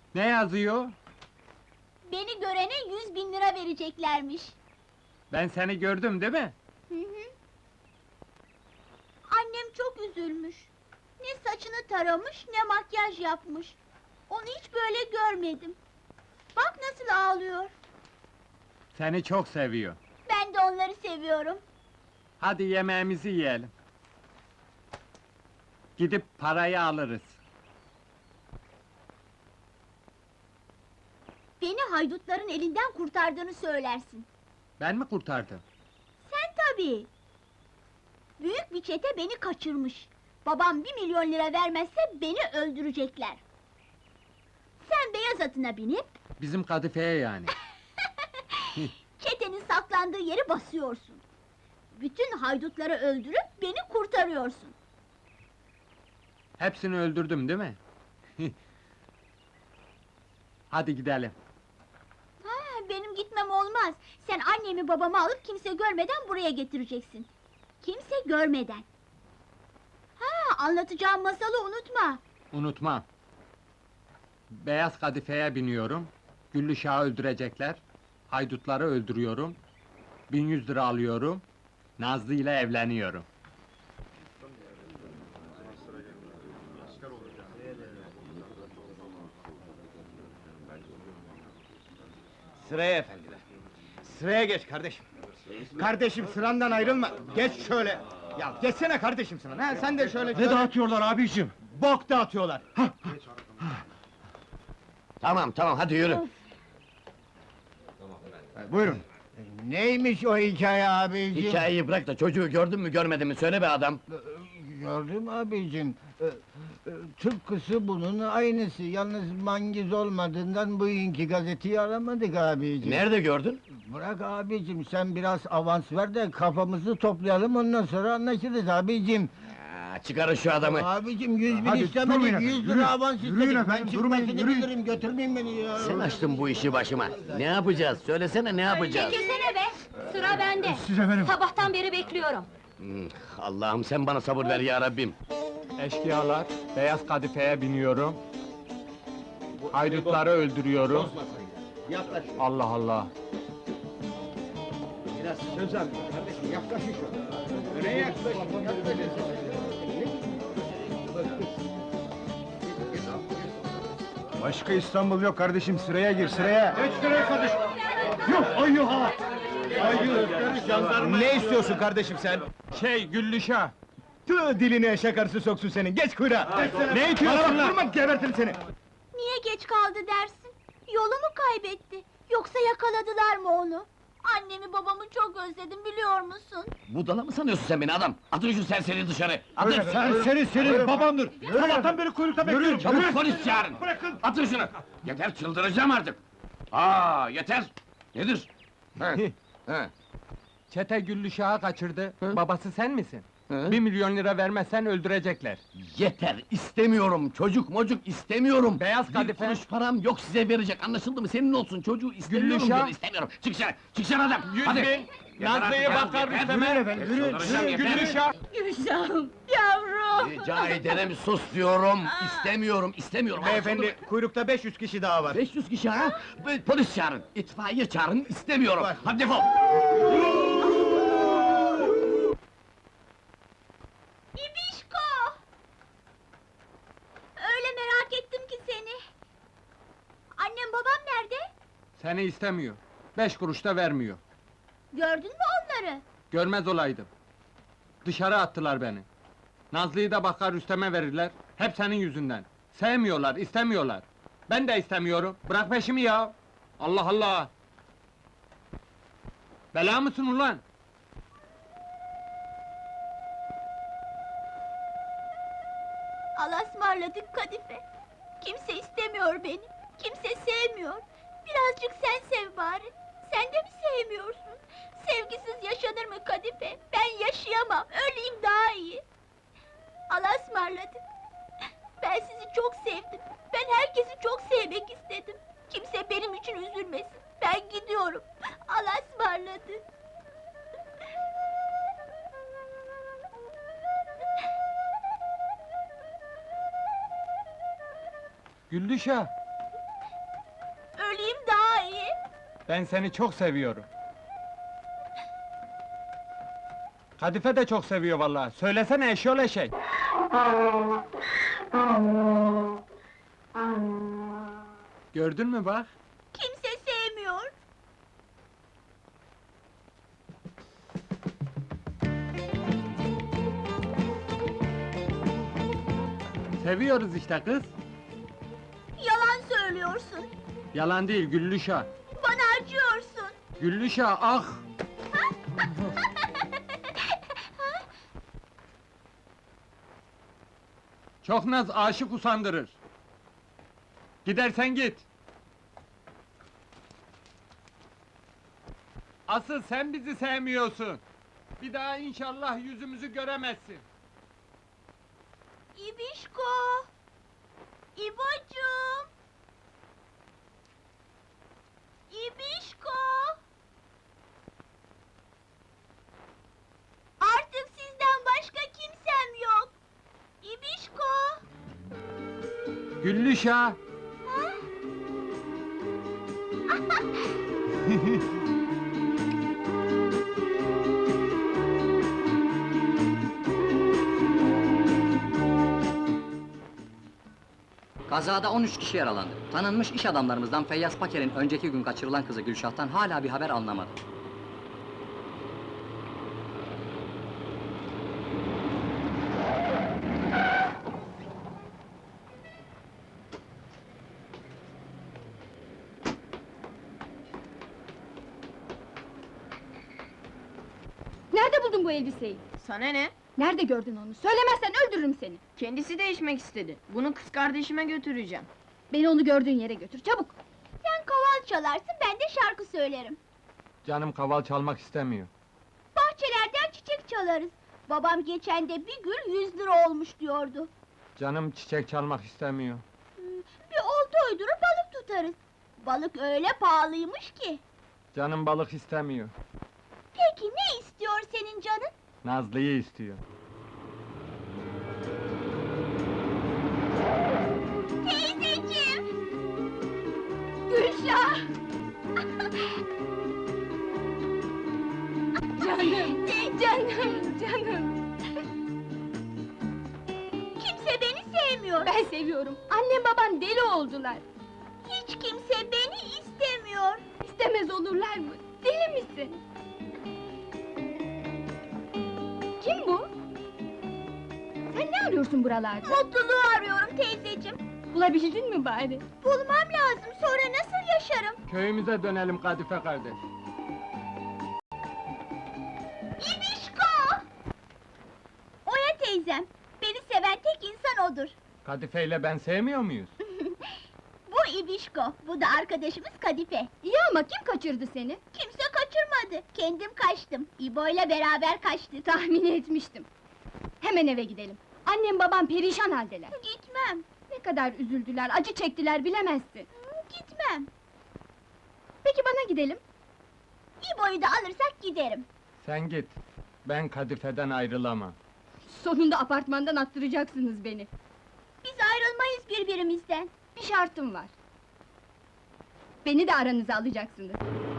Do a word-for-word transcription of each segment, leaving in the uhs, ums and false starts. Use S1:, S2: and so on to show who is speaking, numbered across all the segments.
S1: Ne yazıyor?
S2: Beni görene yüz bin lira vereceklermiş.
S1: Ben seni gördüm değil mi?
S2: Hı hı. Annem çok üzülmüş. Ne saçını taramış, ne makyaj yapmış. Onu hiç böyle görmedim. Bak nasıl ağlıyor.
S1: Seni çok seviyor.
S2: Ben de onları seviyorum.
S1: Hadi yemeğimizi yiyelim. Gidip parayı alırız.
S2: Beni haydutların elinden kurtardığını söylersin.
S1: Ben mi kurtardım?
S2: Sen tabii! Büyük bir çete beni kaçırmış. Babam bir milyon lira vermezse beni öldürecekler. Sen beyaz atına binip...
S1: Bizim kadifeye yani.
S2: ...çetenin saklandığı yeri basıyorsun. Bütün haydutları öldürüp beni kurtarıyorsun.
S1: Hepsini öldürdüm değil mi? Hadi gidelim.
S2: Ha, benim gitmem olmaz. Sen annemi babamı alıp kimse görmeden buraya getireceksin. Kimse görmeden. Ha, anlatacağım masalı unutma.
S1: Unutmam. Beyaz kadifeye biniyorum. Güllüşah'ı öldürecekler. Haydutları öldürüyorum. Bin yüz lira alıyorum. Nazlı ile evleniyorum.
S3: Sıraya efendiler. Sıraya geç kardeşim. Kardeşim sırandan ayrılma. Geç şöyle. Ya geçsene kardeşim sıran. Ha sen de şöyle.
S4: Ne dağıtıyorlar abiciğim?
S3: Bok dağıtıyorlar.
S5: Tamam tamam hadi yürü.
S3: Buyurun.
S4: Neymiş o hikaye abiciğim?
S5: Hikayeyi bırak da çocuğu gördün mü görmedin mi söyle be adam.
S4: Gördüm abicim. Ee, e, Tıpkısı bunun aynısı. Yalnız mangiz olmadığından bugünkü gazeteyi aramadık abicim.
S5: Nerede gördün?
S4: Bırak abicim, sen biraz avans ver de kafamızı toplayalım, ondan sonra anlaşırız abicim.
S5: Ya, çıkarın şu adamı.
S4: Abicim yüz bin
S3: Hadi,
S4: istemedik,
S3: durmayın
S4: yüz
S3: efendim,
S4: lira
S3: yürüyün.
S4: avans
S3: Yürüyün
S4: istedik.
S3: efendim,
S4: Ben
S3: durmayın,
S4: çıkmasını
S3: yürüyün.
S4: bilirim, götürmeyin beni ya.
S5: Sen açtın bu işi başıma. Ne yapacağız? Söylesene ne yapacağız?
S6: Çekilsene be! Sıra bende!
S3: Siz efendim.
S6: Sabahtan beri bekliyorum.
S5: Hmm, Allah'ım sen bana sabır ver ya Rabbim.
S1: Eşkıyalar, beyaz kadifeye biniyorum. Haydutları öldürüyorum.
S3: Yaklaş.
S1: Allah Allah!
S3: Biraz söz al. Kardeşim yaklaşın şöyle. Nereye yaklaşın? Yaklaşın. Başka İstanbul yok kardeşim, sıraya gir, sıraya! Geç sıraya kardeşim! Yok, ay yok ha! Ay yok, ne istiyorsun kardeşim sen?
S1: Şey, Güllüşah!
S3: Tüh, dilini eşek arısı soksun senin, geç kuyruğa! Ne itiyorsun lan? Durma, gebertirim seni!
S2: Niye geç kaldı dersin? Yolu mu kaybetti? Yoksa yakaladılar mı onu? Annemi babamı çok özledim biliyor musun?
S5: Budala mı sanıyorsun sen beni adam? Atın şu serseri dışarı! Atın!
S3: Sen senin senin babamdır! Sabahtan beri kuyrukta bekliyorum!
S5: Çabuk polis çağırın!
S3: Bırakın!
S5: Atın şunu! Yeter çıldıracağım artık! Aa yeter! Nedir? He, he,
S1: Çete Güllüşah'ı kaçırdı.
S5: Hı?
S1: Babası sen misin?
S5: he.
S1: Bir milyon lira vermezsen öldürecekler.
S5: Yeter, istemiyorum! Çocuk mocuk istemiyorum!
S1: Beyaz
S5: Bir
S1: kadife.
S5: kuruş param yok size verecek, anlaşıldı mı? Senin olsun, çocuğu istemiyorum
S1: Güllüşah.
S5: diyorum, istemiyorum! Çık dışarı, çık dışarı adam!
S1: Yüz
S5: Hadi!
S1: bin!
S5: Yeter
S1: Nazlı'yı
S5: artık,
S1: bakar
S5: yeter.
S1: Rüstem'e!
S3: Yürüyün efendim, yürüyün,
S5: Çıldıracağım,
S3: yürüyün!
S5: yeter.
S1: Güllüşah!
S2: Gülşah'ım, yavrum!
S5: Rica ederim, sus diyorum! İstemiyorum, istemiyorum!
S3: Beyefendi, kuyrukta beş yüz kişi daha var!
S5: beş yüz kişi ha? Böyle Polis çağırın, itfaiye çağırın, istemiyorum!
S3: Var.
S5: Hadi defol!
S2: İbişko! Öyle merak ettim ki seni. Annem babam nerede?
S1: Seni istemiyor. Beş kuruş da vermiyor.
S2: Gördün mü onları?
S1: Görmez olaydım. Dışarı attılar beni. Nazlı'yı da bakar Rüstem'e verirler. Hep senin yüzünden. Sevmiyorlar, istemiyorlar. Ben de istemiyorum. Bırak peşimi ya! Allah Allah! Bela mısın ulan?
S2: Allah'a ısmarladık Kadife. Kimse istemiyor beni. Kimse sevmiyor. Birazcık sen sev bari. Sen de mi sevmiyorsun? Sevgisiz yaşanır mı Kadife? Ben yaşayamam. Öleyim daha iyi. Allah'a ısmarladık. Ben sizi çok sevdim. Ben herkesi çok sevmek istedim. Kimse benim için üzülmesin. Ben gidiyorum. Allah'a ısmarladık.
S1: Güllüşah! Ben seni çok seviyorum. Kadife de çok seviyor vallahi. Söylesene eşyol eşek. Gördün mü bak?
S2: Kimse sevmiyor.
S1: Seviyoruz işte kız.
S2: Yalan söylüyorsun.
S1: Yalan değil Güllüşah.
S2: Bana acıyorsun.
S1: Güllüşah ah! Çok naz aşık usandırır. Gidersen git. Asıl sen bizi sevmiyorsun. Bir daha inşallah yüzümüzü göremezsin.
S2: İbişko! İbocuğum! İbişko! Artık sizden başka kimsem yok. İbişko!
S1: Güllüşah!
S7: Kazada on üç kişi yaralandı. Tanınmış iş adamlarımızdan Feyyaz Paker'in önceki gün kaçırılan kızı Gülşah'tan hala bir haber alınamadı.
S6: Nerede buldun bu elbiseyi?
S8: Sana ne?
S6: Nerede gördün onu? Söylemezsen öldürürüm seni.
S8: Kendisi değişmek istedi. Bunu kız kardeşime götüreceğim.
S6: Beni onu gördüğün yere götür, çabuk!
S2: Sen kaval çalarsın, ben de şarkı söylerim.
S1: Canım kaval çalmak istemiyor.
S2: Bahçelerden çiçek çalarız. Babam geçen de bir gül yüz lira olmuş diyordu.
S1: Canım çiçek çalmak istemiyor.
S2: Bir olta uydurup balık tutarız. Balık öyle pahalıymış ki.
S1: Canım balık istemiyor.
S2: Peki ne istiyor senin canın?
S1: Nazlı'yı istiyor.
S2: Teyzeciğim! Gülşah!
S6: Canım, canım, canım!
S2: Kimse beni sevmiyor.
S6: Ben seviyorum, annem babam deli oldular!
S2: Hiç kimse beni istemiyor.
S6: İstemez olurlar mı? Deli misin? Kim bu? Sen ne arıyorsun buralarda?
S2: Mutluluğu arıyorum teyzeciğim.
S6: Bulabildin mi bari?
S2: Bulmam lazım, sonra nasıl yaşarım?
S1: Köyümüze dönelim Kadife kardeş.
S2: İbişko! Oya teyzem, beni seven tek insan odur.
S1: Kadife ile ben sevmiyor muyuz?
S2: Bu İbişko, bu da arkadaşımız Kadife.
S6: İyi ama kim kaçırdı seni?
S2: Kimse kaçırmadı, kendim kaçtım. İbo ile beraber kaçtık.
S6: Tahmin etmiştim. Hemen eve gidelim. Annem babam perişan haldeler.
S2: Gitmem,
S6: Ne kadar üzüldüler, acı çektiler bilemezsin.
S2: gitmem.
S6: Peki bana gidelim.
S2: İbo'yu da alırsak giderim.
S1: Sen git. Ben Kadife'den ayrılamam.
S6: Sonunda apartmandan attıracaksınız beni.
S2: Biz ayrılmayız birbirimizden.
S6: Bir şartım var. Beni de aranıza alacaksınız.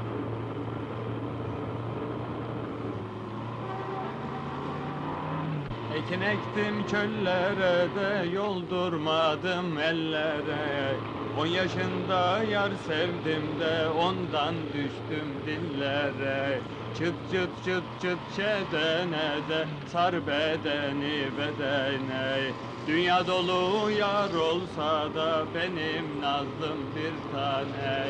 S1: Ekin ektim çöllere de yoldurmadım ellere. On yaşında yar sevdim de ondan düştüm dillere. Çıt çıt çıt çıt çedene de sar bedeni bedene. Dünya dolu yar olsa da benim nazlım bir tane.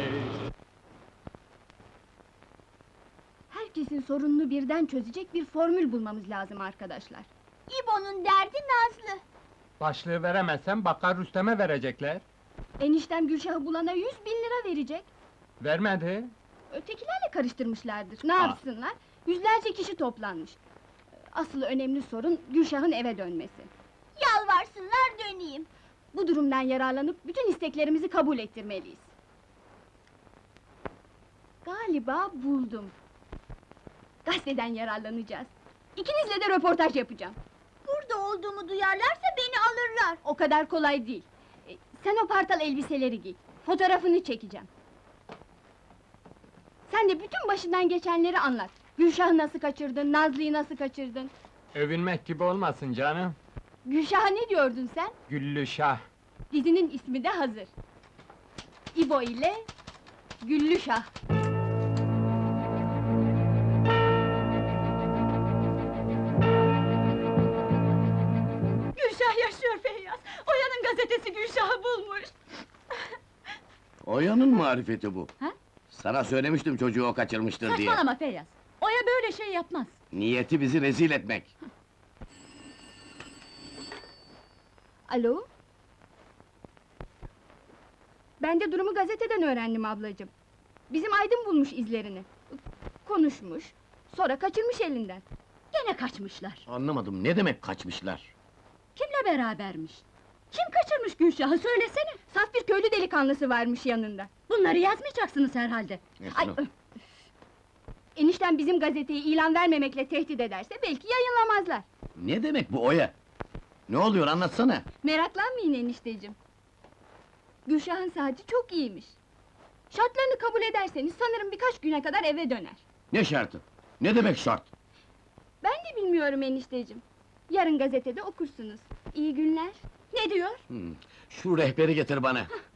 S6: Herkesin sorununu birden çözecek bir formül bulmamız lazım arkadaşlar.
S2: İbo'nun derdi Nazlı.
S1: Başlığı veremezsem Bakkar Rüstem'e verecekler.
S6: Eniştem Gülşah'ı bulana yüz bin lira verecek.
S1: Vermedi.
S6: Ötekilerle karıştırmışlardır. Ne
S1: Ah.
S6: yapsınlar? Yüzlerce kişi toplanmış. Asıl önemli sorun Gülşah'ın eve dönmesi.
S2: Yalvarsınlar döneyim.
S6: Bu durumdan yararlanıp bütün isteklerimizi kabul ettirmeliyiz. Galiba buldum. Gazeteden yararlanacağız. İkinizle de röportaj yapacağım.
S2: Burada olduğumu duyarlarsa beni alırlar.
S6: O kadar kolay değil. E, Sen o partal elbiseleri giy. Fotoğrafını çekeceğim. Sen de bütün başından geçenleri anlat. Gülşah'ı nasıl kaçırdın, Nazlı'yı nasıl kaçırdın?
S1: Övünmek gibi olmasın canım.
S6: Gülşah'a ne diyordun sen?
S1: Güllü Şah.
S6: Dizinin ismi de hazır. İbo ile Güllü Şah.
S2: Gülşah yaşıyor Feyyaz. Oya'nın gazetesi Gülşah'ı bulmuş.
S5: Oya'nın marifeti bu.
S2: Ha?
S5: Sana söylemiştim çocuğu o kaçırmıştır diye.
S2: Saçmalama Feyyaz. Oya böyle şey yapmaz.
S5: Niyeti bizi rezil etmek.
S6: Alo? Ben de durumu gazeteden öğrendim ablacığım. Bizim Aydın bulmuş izlerini. Konuşmuş, sonra kaçırmış elinden.
S2: Gene kaçmışlar.
S5: Anlamadım, ne demek kaçmışlar?
S2: Kimle berabermiş? Kim kaçırmış Gülşah'ı söylesene.
S6: Saf bir köylü delikanlısı varmış yanında.
S2: Bunları yazmayacaksınız herhalde.
S6: Ay,
S5: Nesrin,
S6: öf! Enişten bizim gazeteyi ilan vermemekle tehdit ederse belki yayınlamazlar.
S5: ne demek bu Oya? Ne oluyor, anlatsana!
S6: Meraklanmayın enişteciğim. Gülşah'ın saati çok iyiymiş. Şartlarını kabul ederseniz sanırım birkaç güne kadar eve döner.
S5: Ne şartı? Ne demek şart?
S6: Ben de bilmiyorum enişteciğim. Yarın gazetede okursunuz. İyi günler.
S2: Ne diyor?
S5: Hmm, şu rehberi getir bana.